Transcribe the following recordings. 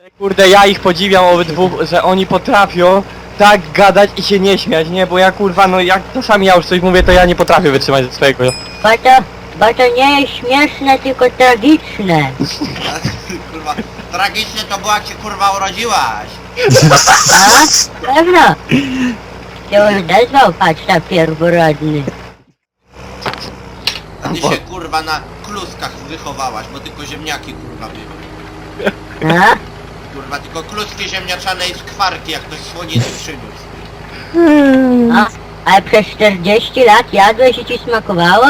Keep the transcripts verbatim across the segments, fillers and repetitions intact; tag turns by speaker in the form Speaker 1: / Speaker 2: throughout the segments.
Speaker 1: Kurde, ja ich podziwiam obydwu, że oni potrafią tak gadać i się nie śmiać, nie? Bo ja kurwa, no jak czasami ja już coś mówię, to ja nie potrafię wytrzymać ze swojego.
Speaker 2: Bo to, bo to nie jest śmieszne, tylko tragiczne.
Speaker 3: Kurwa, tragicznie to było jak się kurwa urodziłaś.
Speaker 2: A? Pewno. Się odezwał, patrz, ta pierworodny.
Speaker 3: A ty się kurwa na kluskach wychowałaś, bo tylko ziemniaki kurwa były.
Speaker 2: A?
Speaker 3: Kurwa, tylko kluski ziemniaczane i skwarki, jak ktoś słoniny przyniósł.
Speaker 2: A? Ale przez czterdzieści lat jadłeś i ci smakowało?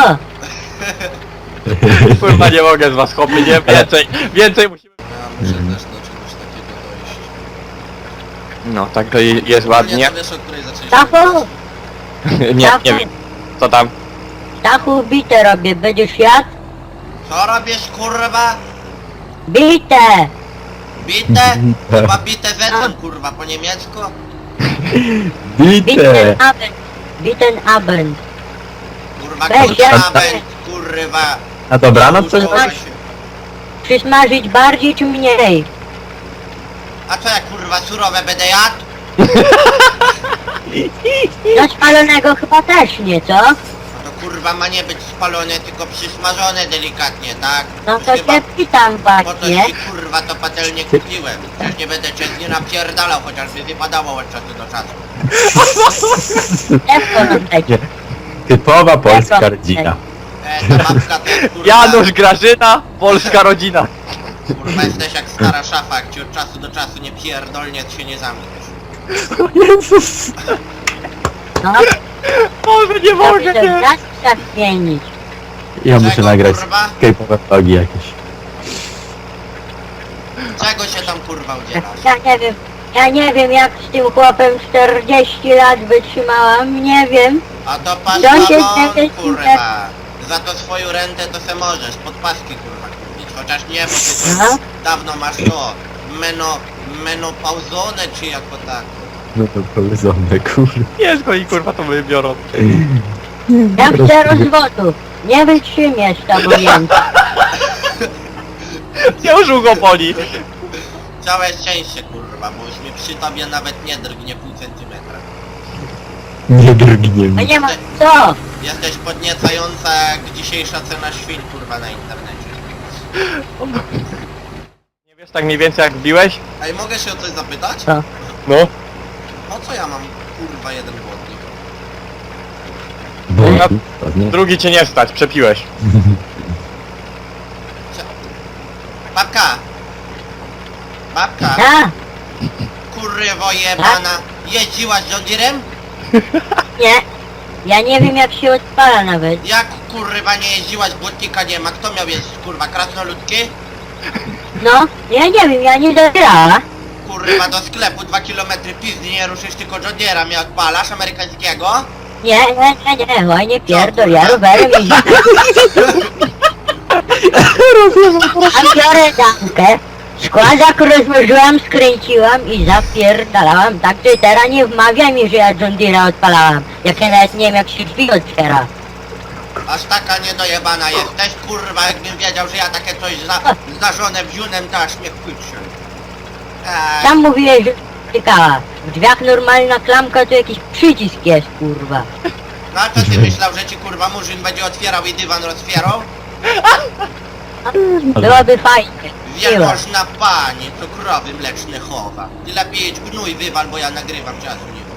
Speaker 1: Kurwa, nie mogę z was chłopy, nie? Więcej, więcej musimy...
Speaker 3: Ja muszę też do czegoś takiego dojść.
Speaker 1: No, tak to je- jest ładnie.
Speaker 3: Nie, to wiesz, o której zaczęliśmy.
Speaker 2: Stachu,
Speaker 1: Nie, nie wiem. Co tam?
Speaker 2: Stachu, bite robię, będziesz jadł?
Speaker 3: Co robisz kurwa?
Speaker 2: Bite!
Speaker 3: Bite? Chyba bite wetem kurwa, po niemiecku?
Speaker 2: Biten
Speaker 4: Bite!
Speaker 2: Abend. Biten Abend.
Speaker 3: Kurwa,
Speaker 2: Weź,
Speaker 3: kurwa,
Speaker 2: ja-
Speaker 3: będzie, kurwa.
Speaker 4: Na dobranoc coś?
Speaker 3: Uczyła się.
Speaker 2: Przysmażyć bardziej czy mniej?
Speaker 3: A co ja kurwa surowe będę jadł?
Speaker 2: Do spalonego chyba też nie, co?
Speaker 3: No to kurwa ma nie być spalone, tylko przysmażone delikatnie, tak?
Speaker 2: No to
Speaker 3: Chyba
Speaker 2: się pytam
Speaker 3: po to
Speaker 2: właśnie.
Speaker 3: ci kurwa to patelnię kupiłem. Przecież nie będę cię nie napierdalał, chociażby wypadało od czasu do czasu.
Speaker 2: Lekko nam dajcie.
Speaker 4: Typowa polska rodzina.
Speaker 3: E, ta babka to jest, kurwa,
Speaker 1: Janusz, Grażyna, polska rodzina.
Speaker 3: kurwa jesteś jak stara szafa, jak ci od czasu do czasu nie pierdolnie, to się nie zamkniesz.
Speaker 4: O Jezus!
Speaker 2: No,
Speaker 1: Boże, nie
Speaker 2: to
Speaker 1: mogę,
Speaker 2: to
Speaker 1: nie.
Speaker 2: raz trzeba zmienić.
Speaker 4: Ja muszę
Speaker 3: Czego,
Speaker 4: nagrać
Speaker 3: kurwa?
Speaker 4: skejpowe vlogi jakieś.
Speaker 3: Czego się tam kurwa udzielasz?
Speaker 2: Ja nie wiem, ja nie wiem jak z tym chłopem czterdzieści lat wytrzymałam, nie wiem.
Speaker 3: A to patrz
Speaker 2: To się
Speaker 3: mamon,
Speaker 2: dzieje,
Speaker 3: kurwa. Za to swoją rentę to se możesz, pod paski kurwa kupić. Chociaż nie, bo ty
Speaker 2: Aha.
Speaker 3: to dawno masz to meno, menopauzone czy jako tak.
Speaker 4: No to powiedzone, kurde.
Speaker 1: Jest go i kurwa to wybiorą.
Speaker 2: Ja chcę rozwodu. Nie wytrzymiesz tam ujęcia.
Speaker 1: Już go boli.
Speaker 3: Całe szczęście kurwa, bo już mi przy tobie nawet nie drgnie pół centymetra.
Speaker 4: Nie drgnie
Speaker 2: A
Speaker 4: mi.
Speaker 2: nie ma co?
Speaker 3: Jesteś podniecająca jak dzisiejsza cena świń kurwa na internecie.
Speaker 1: Nie wiesz tak mniej więcej jak biłeś?
Speaker 3: Ej, mogę się o coś zapytać?
Speaker 2: Co?
Speaker 1: No.
Speaker 3: Po co ja mam kurwa jeden błotnik?
Speaker 4: Bo
Speaker 1: Ja-
Speaker 4: ładnie.
Speaker 1: Drugi cię nie stać, przepiłeś.
Speaker 3: Babka! Babka!
Speaker 2: A?
Speaker 3: Kurwo jebana! Jeździłaś John Deerem?
Speaker 2: Nie. Ja nie wiem jak się odpala nawet.
Speaker 3: Jak kurwa nie jeździłaś, błotnika nie ma? Kto miał jeździć kurwa? Krasnoludki?
Speaker 2: No, ja nie wiem, ja nie dobrała.
Speaker 3: Kurwa do sklepu dwa kilometry pizdy nie ruszysz, tylko John Deera mnie odpalasz amerykańskiego?
Speaker 2: Nie, nie, nie, nie, oj nie pierdol, ja rowerem jeździłem. A biorę damkę, składak rozłożyłam, skręciłam i zapierdalałam, tak że teraz nie wmawia mi, że ja John Deere'a odpalałam. Jak ja nawet nie wiem jak się drzwi otwiera.
Speaker 3: Aż taka niedojebana jesteś, kurwa, jakbym wiedział, że ja takie coś za, zdarzone wziunem, to aż mnie chwycił. Eee,
Speaker 2: Sam mówiłeś, że tykała. W drzwiach normalna klamka to jakiś przycisk jest, kurwa.
Speaker 3: no a co ty myślał, że ci kurwa murzyn będzie otwierał i dywan rozwierał?
Speaker 2: Byłoby fajnie. Miło.
Speaker 3: Wielmożna pani, co krowy mleczne chowa. Ty lepiej jedź gnój wywal, bo ja nagrywam, czasu nie